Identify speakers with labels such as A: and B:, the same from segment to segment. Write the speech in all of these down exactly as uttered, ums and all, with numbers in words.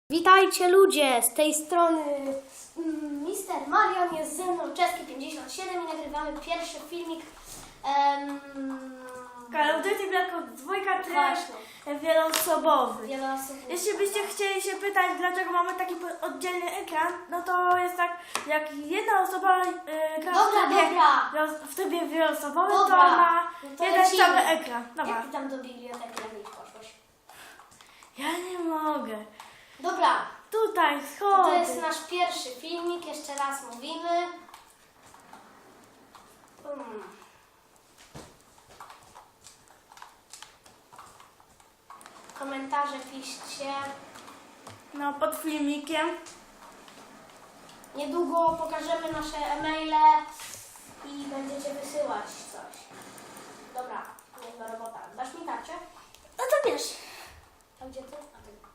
A: Witajcie ludzie, z tej strony mister Marian, jest ze mną Czeski pięćdziesiąt siedem i nagrywamy pierwszy filmik. Um,
B: Call of Duty Black Ops dwa tryb
A: Właśnie.
B: wieloosobowy.
A: Wieloosobowy.
B: Jeśli byście chcieli się pytać, dlaczego mamy taki po- oddzielny ekran, no to jest tak, jak jedna osoba yy, gra
A: Dobra,
B: w, trybie,
A: dobra.
B: wielo- w trybie wieloosobowym,
A: Dobra,
B: to ma
A: no to
B: jeden
A: lecimy.
B: cały ekran. Dobra.
A: Jak ty tam do biblioteki jak nie poszłeś?
B: Ja nie mogę.
A: Dobra,
B: Tutaj,
A: to, to jest
B: schody.
A: nasz pierwszy filmik, jeszcze raz mówimy. Hmm. Komentarze piszcie.
B: No, pod filmikiem.
A: Niedługo pokażemy nasze e-maile i będziecie wysyłać coś. Dobra, niezła robota. Dasz mi tarczę?
B: No to wiesz.
A: A gdzie ty? A ty.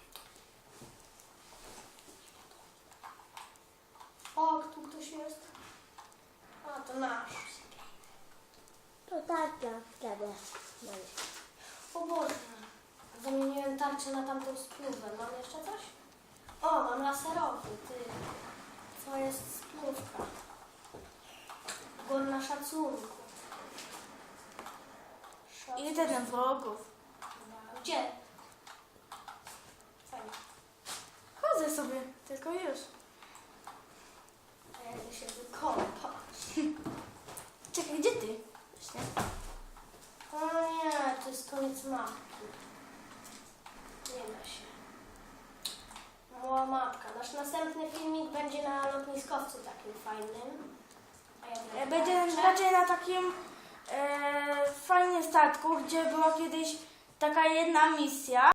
A: O, tu ktoś jest. A, to nasz.
C: To tak, tak, wtedy.
A: O Boże. Zamieniłem tarczę na tamtą spluwę. Mam jeszcze coś? O, mam laserowy, ty. To jest spluwka. Godna szacunku. Szacunek.
B: Jeden wrogów.
A: Gdzie? Fajnie.
B: Chodzę sobie, tylko już.
A: A ja idę się wykąpać.
B: Czekaj, gdzie ty? Właśnie.
A: O nie, to jest koniec mapki. Nie da się. Mała mapka. Nasz następny filmik będzie na lotniskowcu takim fajnym. A ja
B: E,
A: będę
B: Będzie
A: tarczę.
B: raczej na takim e, fajnym statku, gdzie była kiedyś taka jedna misja.